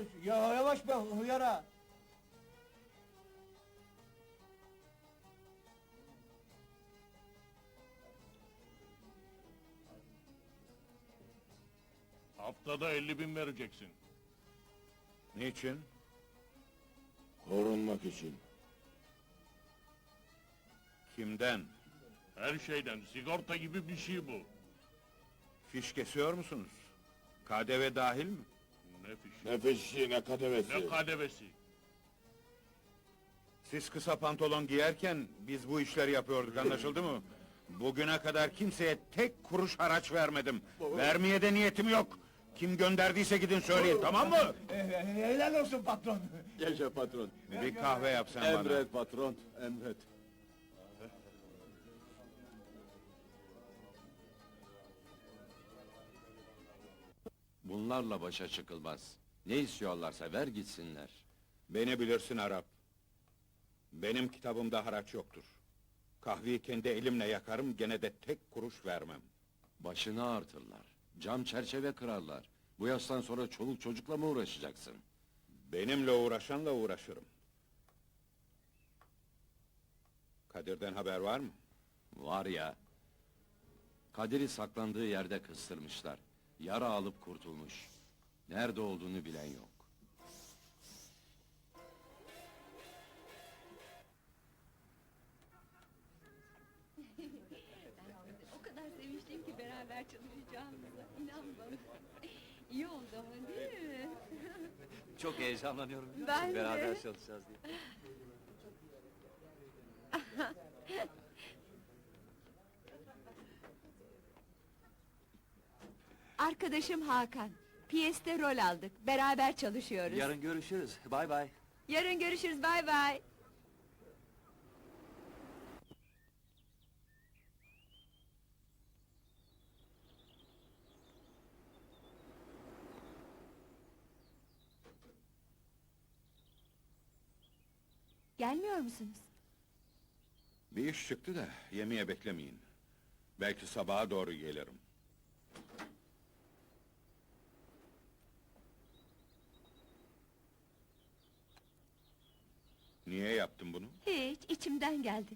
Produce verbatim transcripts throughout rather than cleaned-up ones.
gidiyoruz. Ya yavaş be hıyara. Haftada elli bin vereceksin. Niçin? Korunmak için. Kimden? Her şeyden, sigorta gibi bir şey bu. Fiş kesiyor musunuz? K D V dahil mi? Ne fişi, Ne fişi ne kadevesi. ne kadevesi. Siz kısa pantolon giyerken biz bu işleri yapıyorduk, anlaşıldı mı? Bugüne kadar kimseye tek kuruş haraç vermedim. Vermeye de niyetim yok. Kim gönderdiyse gidin söyleyin, tamam mı? Eh, Helal olsun patron. Yaşa patron. Bir kahve yap sen bana. Emret patron, emret. Bunlarla başa çıkılmaz. Ne istiyorlarsa ver gitsinler. Beni bilirsin Arap. Benim kitabımda haraç yoktur. Kahveyi kendi elimle yakarım, gene de tek kuruş vermem. Başını ağrıtırlar. Cam çerçeve kırarlar. Bu yaştan sonra çoluk çocukla mı uğraşacaksın? Benimle uğraşanla uğraşırım. Kadir'den haber var mı? Var ya... Kadir'i saklandığı yerde kıstırmışlar. Yara alıp kurtulmuş. Nerede olduğunu bilen yok. O kadar sevinçliyim ki beraber çalışacağımıza. İnan bana. İyi oldu ama değil mi? Çok heyecanlanıyorum biliyor Ben musun? de. Beraber çalışacağız diye. Arkadaşım Hakan. Piyeste rol aldık. Beraber çalışıyoruz. Yarın görüşürüz. Bay bay. Yarın görüşürüz. Bay bay. Gelmiyor musunuz? Bir iş çıktı da yemeğe beklemeyin. Belki sabaha doğru gelirim. Niye yaptın bunu? Hiç, içimden geldi.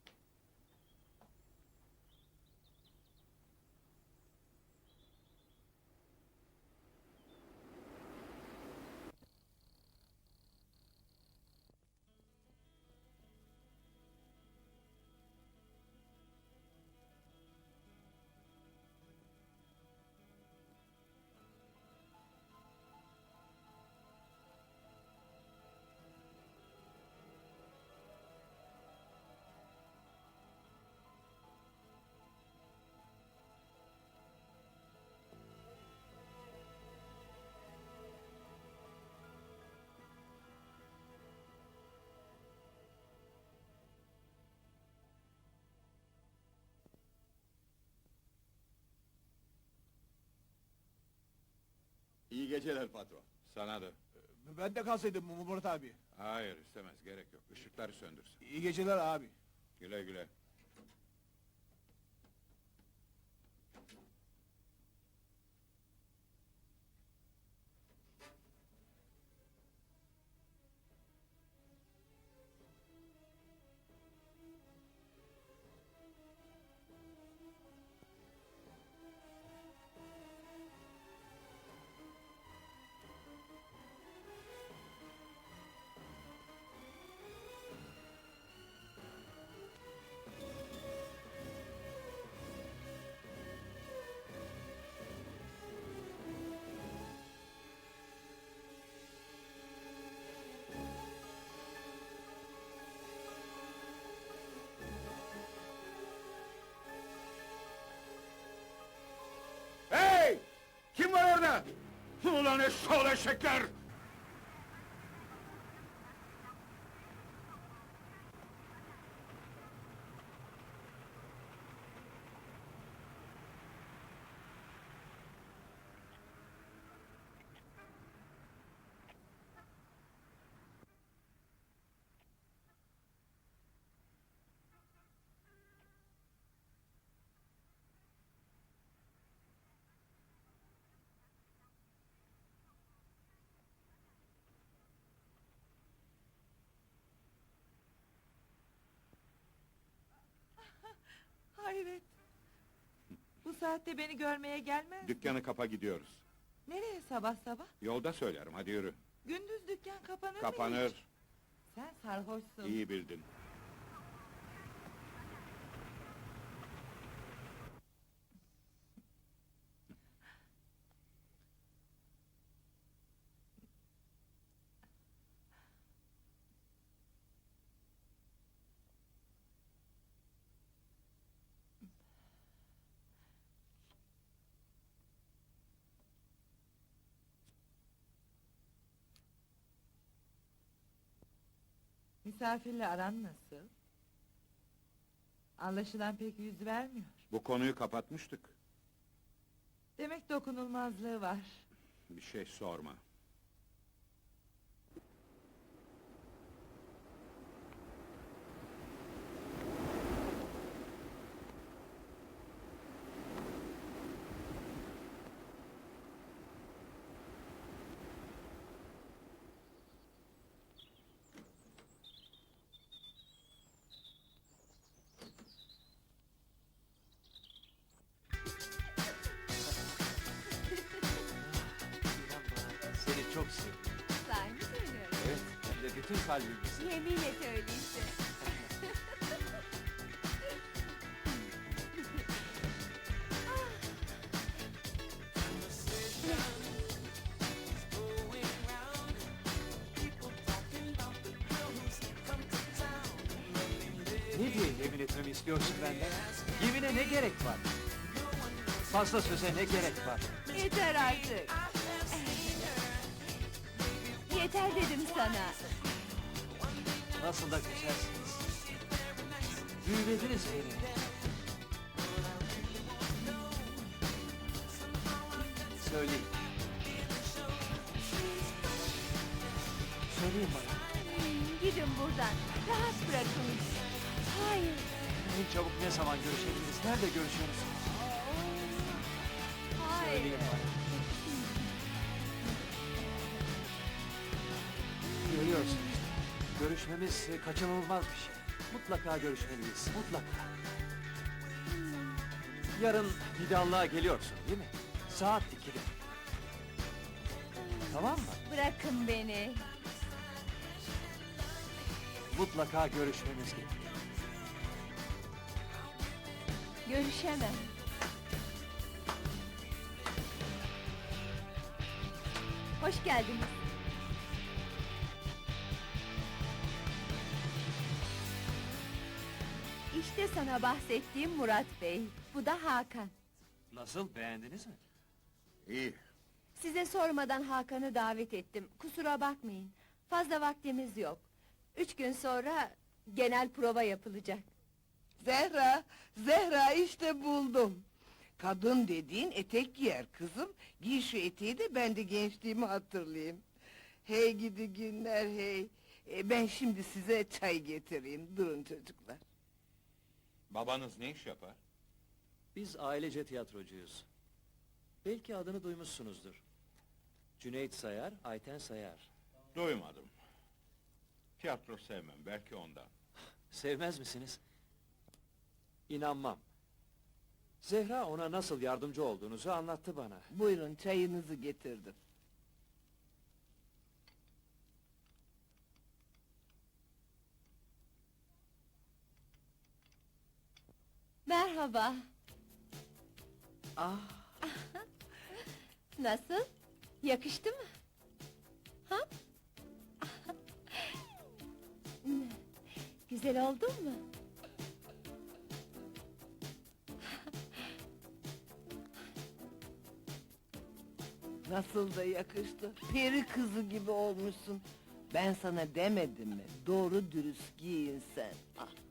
İyi geceler patron. Sana da. Ben de kalsaydım Murat abi. Hayır, istemez, gerek yok. Işıkları söndürsün. İyi geceler abi. Güle güle. Hey! Kim var orada? Ulan eşşoğlu eşekler! saatte beni görmeye gelmez. Dükkanı kapa gidiyoruz. Nereye sabah sabah? Yolda söylerim, hadi yürü. Gündüz dükkan kapanır mı hiç? Kapanır. Sen sarhoşsun. İyi bildin. Misafirle aran nasıl? Anlaşılan pek yüz vermiyor. Bu konuyu kapatmıştık. Demek dokunulmazlığı var. Bir şey sorma. Seni çok seviyorum. Sahi mi söylüyorum? Evet, hem de bütün kalbimle. Yemin et öyleyse. Ne diye yemin etmemi istiyorsun benden? Yemine ne gerek var? Fazla söze ne gerek var? Yeter artık. Yeter dedim sana. Nasıl da güzelsiniz. Büyülediniz beni. Söyleyin. Söyleyin bana. Hmm, Gidin buradan. Rahat bırakın. Hayır. En çabuk ne zaman görüşebiliriz? Nerede görüşüyoruz? Hayır. Söyleyin bana. Görüyorsun işte. Görüşmemiz e, kaçınılmaz bir şey. Mutlaka görüşmeliyiz, mutlaka. Yarın Nidallığa geliyorsun değil mi? Saat ikide. Tamam mı? Bırakın beni. Mutlaka görüşmemiz gerekiyor. Görüşemem. Hoş geldiniz. İşte sana bahsettiğim Murat Bey. Bu da Hakan. Nasıl, beğendiniz mi? İyi. Size sormadan Hakan'ı davet ettim. Kusura bakmayın. Fazla vaktimiz yok. Üç gün sonra genel prova yapılacak. Zehra, Zehra işte buldum. Kadın dediğin etek giyer kızım. Giy şu eteği de ben de gençliğimi hatırlayayım. Hey gidi günler hey. E, ben şimdi size çay getireyim. Durun çocuklar. Babanız ne iş yapar? Biz ailece tiyatrocuyuz. Belki adını duymuşsunuzdur. Cüneyt Sayar, Ayten Sayar. Duymadım. Tiyatro sevmem, belki ondan. Sevmez misiniz? İnanmam. Zehra ona nasıl yardımcı olduğunuzu anlattı bana. Buyurun çayınızı getirdim. Merhaba. Ah, Nasıl? Yakıştı mı? Ha? Güzel oldun mu? nasıl da yakıştı. Peri kızı gibi olmuşsun. Ben sana demedim mi? Doğru dürüst giyin sen. Ah.